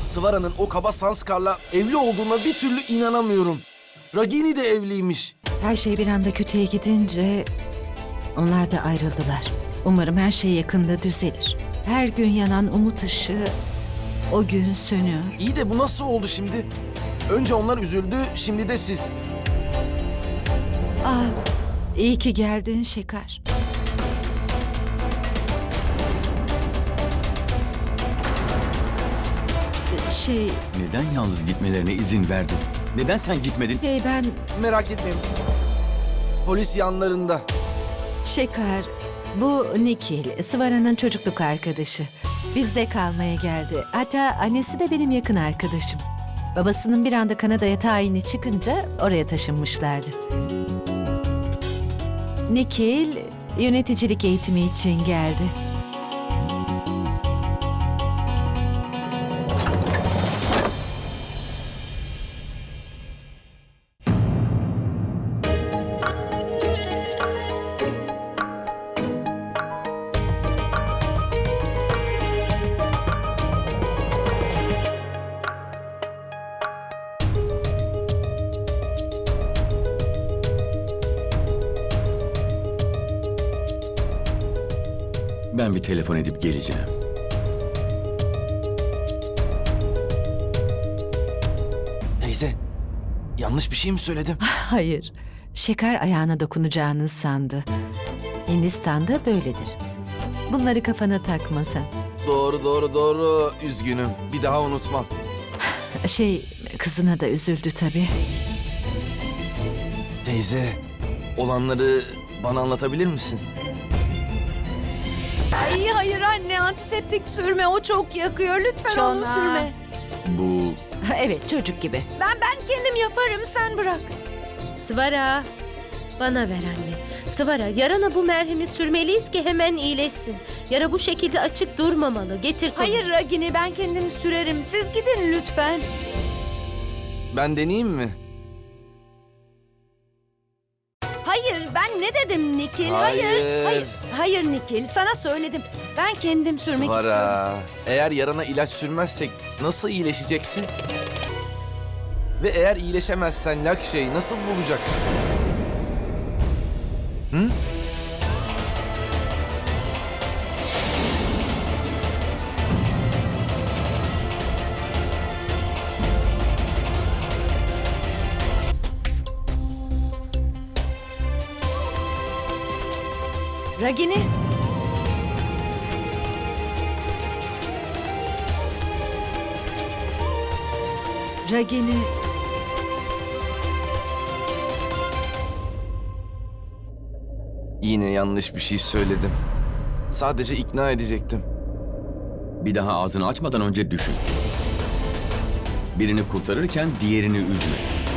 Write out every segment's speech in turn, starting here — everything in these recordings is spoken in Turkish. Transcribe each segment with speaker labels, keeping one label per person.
Speaker 1: Svara'nın o kaba Sanskar'la evli olduğuna bir türlü inanamıyorum. Ragini de evliymiş.
Speaker 2: Her şey bir anda kötüye gidince onlar da ayrıldılar. Umarım her şey yakında düzelir. Her gün yanan umut ışığı o gün sönüyor.
Speaker 1: İyi de bu nasıl oldu şimdi? Önce onlar üzüldü, şimdi de siz.
Speaker 2: Ah, iyi ki geldin Şekar.
Speaker 3: Neden yalnız gitmelerine izin verdin? Neden sen gitmedin?
Speaker 2: Ben
Speaker 1: Merak etmeyin. Polis yanlarında.
Speaker 2: Şekar, bu Nikil, Svara'nın çocukluk arkadaşı. Bizde kalmaya geldi. Hatta annesi de benim yakın arkadaşım. Babasının bir anda Kanada'ya tayini çıkınca oraya taşınmışlardı. Nikil, yöneticilik eğitimi için geldi.
Speaker 3: Ben bir telefon edip geleceğim.
Speaker 1: Teyze, yanlış bir şey mi söyledim?
Speaker 2: Hayır, Şekar ayağına dokunacağını sandı. Hindistan'da böyledir. Bunları kafana takma sen.
Speaker 1: Doğru. Üzgünüm. Bir daha unutmam.
Speaker 2: Kızına da üzüldü tabii.
Speaker 1: Teyze, olanları bana anlatabilir misin?
Speaker 4: Ay hayır anne, antiseptik sürme, o çok yakıyor. Lütfen onu
Speaker 2: Şona.
Speaker 4: sürme.
Speaker 3: Bu
Speaker 2: Evet, çocuk gibi.
Speaker 4: Ben kendim yaparım, sen bırak.
Speaker 5: Svara, bana ver anne. Svara, yarana bu merhemi sürmeliyiz ki hemen iyileşsin. Yara bu şekilde açık durmamalı. Getir kolu.
Speaker 4: Hayır Ragini, ben kendim sürerim. Siz gidin lütfen.
Speaker 1: Ben deneyeyim mi?
Speaker 4: Hayır, ben ne dedim Nikil?
Speaker 1: Hayır.
Speaker 4: Hayır Nikil, sana söyledim. Ben kendim sürmek istiyorum.
Speaker 1: Svara, eğer yarana ilaç sürmezsek nasıl iyileşeceksin? Ve eğer iyileşemezsen Lakşe'yi nasıl bulacaksın? Hı?
Speaker 4: Ragini.
Speaker 2: Ragini,
Speaker 1: Yine yanlış bir şey söyledim. Sadece ikna edecektim.
Speaker 3: bir daha ağzını açmadan önce düşün. Birini kurtarırken diğerini üzme.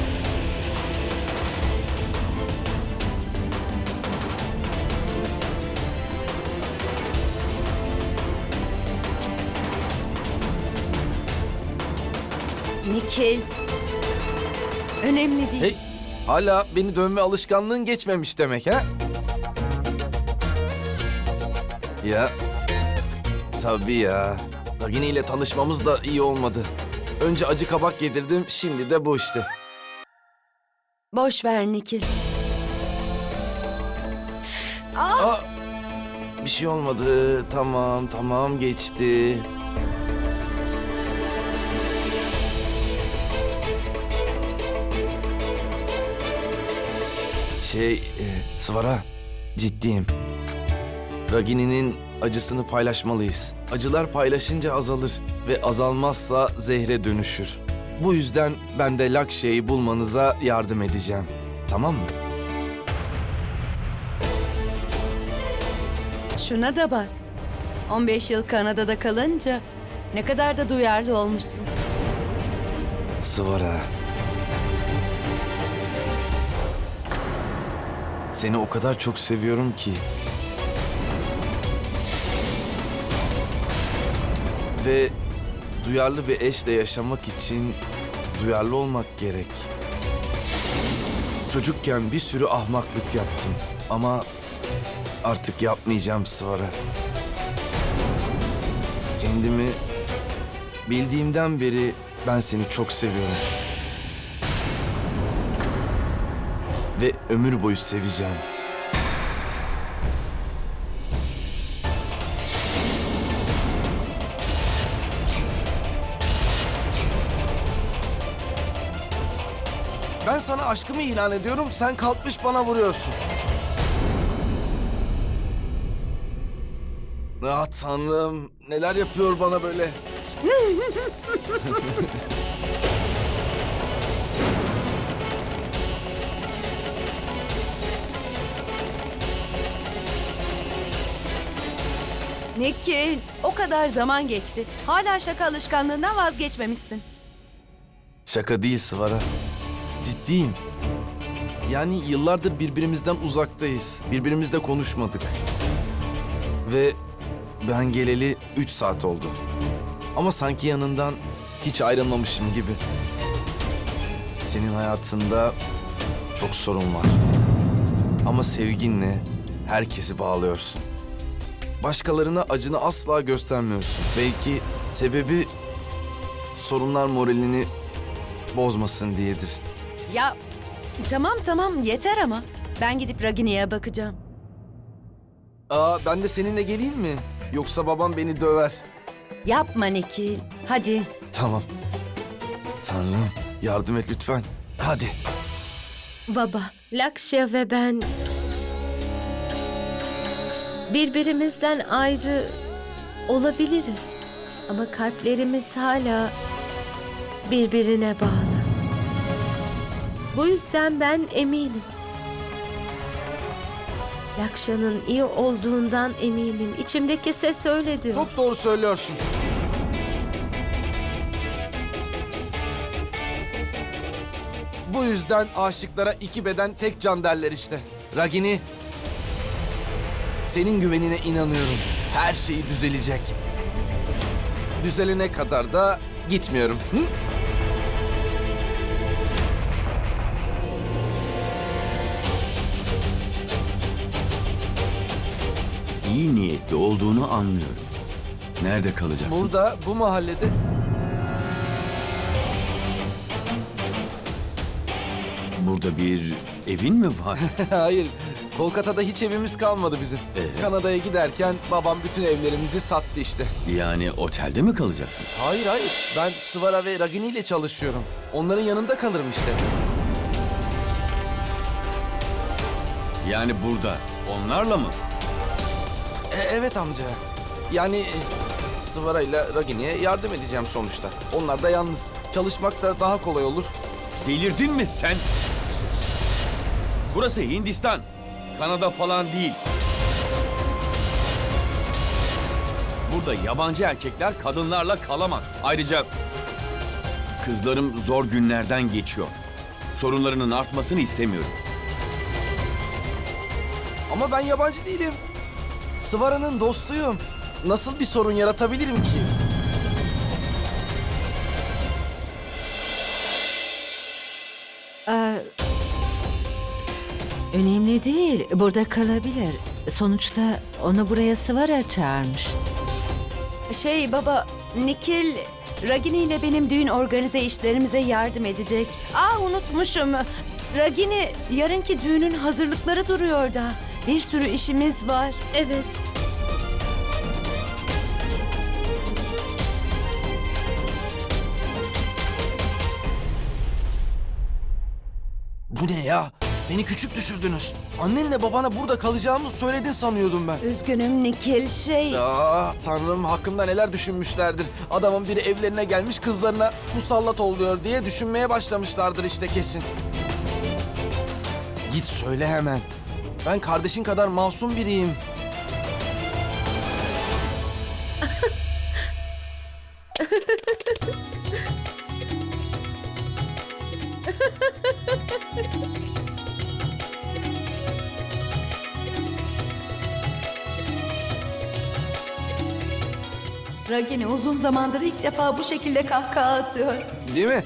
Speaker 4: Nikil. Önemli değil.
Speaker 1: Hey, hala beni dövme alışkanlığın geçmemiş demek ha? Ya, tabii ya. Ragini ile tanışmamız da iyi olmadı. Önce acı kabak yedirdim, şimdi de bu işte.
Speaker 4: Boş ver Nikil.
Speaker 1: Aa, bir şey olmadı. Tamam geçti. Svara, ciddiyim. Ragini'nin acısını paylaşmalıyız. Acılar paylaşınca azalır ve azalmazsa zehre dönüşür. Bu yüzden ben de Lakşe'yi bulmanıza yardım edeceğim. Tamam mı?
Speaker 4: Şuna da bak. 15 yıl Kanada'da kalınca ne kadar da duyarlı olmuşsun.
Speaker 1: Svara. Seni o kadar çok seviyorum ki. Ve duyarlı bir eşle yaşamak için duyarlı olmak gerek. Çocukken bir sürü ahmaklık yaptım ama artık yapmayacağım Svara. Kendimi Bildiğimden beri ben seni çok seviyorum. Ve ömür boyu seveceğim. Ben sana aşkımı ilan ediyorum, sen kalkmış bana vuruyorsun. Ah Tanrım, neler yapıyor bana böyle?
Speaker 4: Nikil, o kadar zaman geçti. Hala şaka alışkanlığından vazgeçmemişsin.
Speaker 1: Şaka değil Sıvara. Ciddiyim. Yani yıllardır birbirimizden uzaktayız. Birbirimizle konuşmadık. Ve ben geleli 3 saat oldu. Ama sanki yanından hiç ayrılmamışım gibi. Senin hayatında çok sorun var. Ama sevginle herkesi bağlıyorsun. Başkalarına acını asla göstermiyorsun. Belki sebebi sorunlar moralini bozmasın diyedir.
Speaker 4: Ya tamam yeter ama. Ben gidip Ragini'ye bakacağım.
Speaker 1: Ben de seninle geleyim mi? Yoksa babam beni döver.
Speaker 4: Yapma Nikil. Hadi.
Speaker 1: Tamam. Tanrım yardım et lütfen. Hadi.
Speaker 5: Baba, Lakşya ve ben birbirimizden ayrı olabiliriz. Ama kalplerimiz hala birbirine bağlı. Bu yüzden ben eminim. Lakşa'nın iyi olduğundan eminim. İçimdeki ses öyle diyor.
Speaker 1: Çok doğru söylüyorsun. Bu yüzden aşıklara iki beden tek can derler işte. Ragini, senin güvenine inanıyorum. Her şey düzelecek. Düzelene kadar da gitmiyorum. Hı?
Speaker 3: İyi niyetli olduğunu anlıyorum. Nerede kalacaksın?
Speaker 1: Burada, bu mahallede.
Speaker 3: Burada bir evin mi var?
Speaker 1: Hayır, Kolkata'da hiç evimiz kalmadı bizim. Kanada'ya giderken babam bütün evlerimizi sattı işte.
Speaker 3: Yani otelde mi kalacaksın?
Speaker 1: Hayır, ben Sıvara ve Ragini ile çalışıyorum. Onların yanında kalırım işte.
Speaker 3: Yani burada onlarla mı?
Speaker 1: Evet amca. Yani Sıvara ile Ragini'ye yardım edeceğim sonuçta. Onlar da yalnız. Çalışmak da daha kolay olur.
Speaker 3: Delirdin mi sen? Burası Hindistan. Kanada falan değil. Burada yabancı erkekler kadınlarla kalamaz. Ayrıca kızlarım zor günlerden geçiyor. Sorunlarının artmasını istemiyorum.
Speaker 1: Ama ben yabancı değilim. Sıvara'nın dostuyum. Nasıl bir sorun yaratabilirim ki?
Speaker 2: Önemli değil. Burada kalabilir. Sonuçta onu buraya Sıvara çağırmış.
Speaker 4: Baba, Nikil Ragini ile benim düğün organize işlerimize yardım edecek. Unutmuşum. Ragini yarınki düğünün hazırlıkları duruyor da. Bir sürü işimiz var.
Speaker 5: Evet.
Speaker 1: Bu ne ya? Beni küçük düşürdünüz. Annenle babana burada kalacağımı söyledin sanıyordum ben.
Speaker 4: Üzgünüm Nikil
Speaker 1: Ah tanrım, hakkımda neler düşünmüşlerdir. Adamın biri evlerine gelmiş, kızlarına musallat oluyor diye düşünmeye başlamışlardır işte kesin. Git söyle hemen. Ben kardeşin kadar masum biriyim.
Speaker 4: Ragini uzun zamandır ilk defa bu şekilde kahkaha atıyor.
Speaker 1: Değil mi?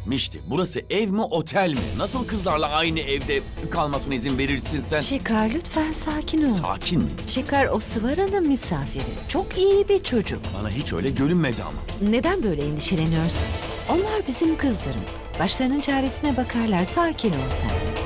Speaker 3: Mişti, burası ev mi otel mi? Nasıl kızlarla aynı evde kalmasına izin verirsin sen?
Speaker 2: Şekar lütfen sakin ol.
Speaker 3: Sakin mi?
Speaker 2: Şekar o Sıvara'nın misafiri. Çok iyi bir çocuk.
Speaker 3: Bana hiç öyle görünmedi ama.
Speaker 2: Neden böyle endişeleniyorsun? Onlar bizim kızlarımız. Başlarının çaresine bakarlar. Sakin ol sen.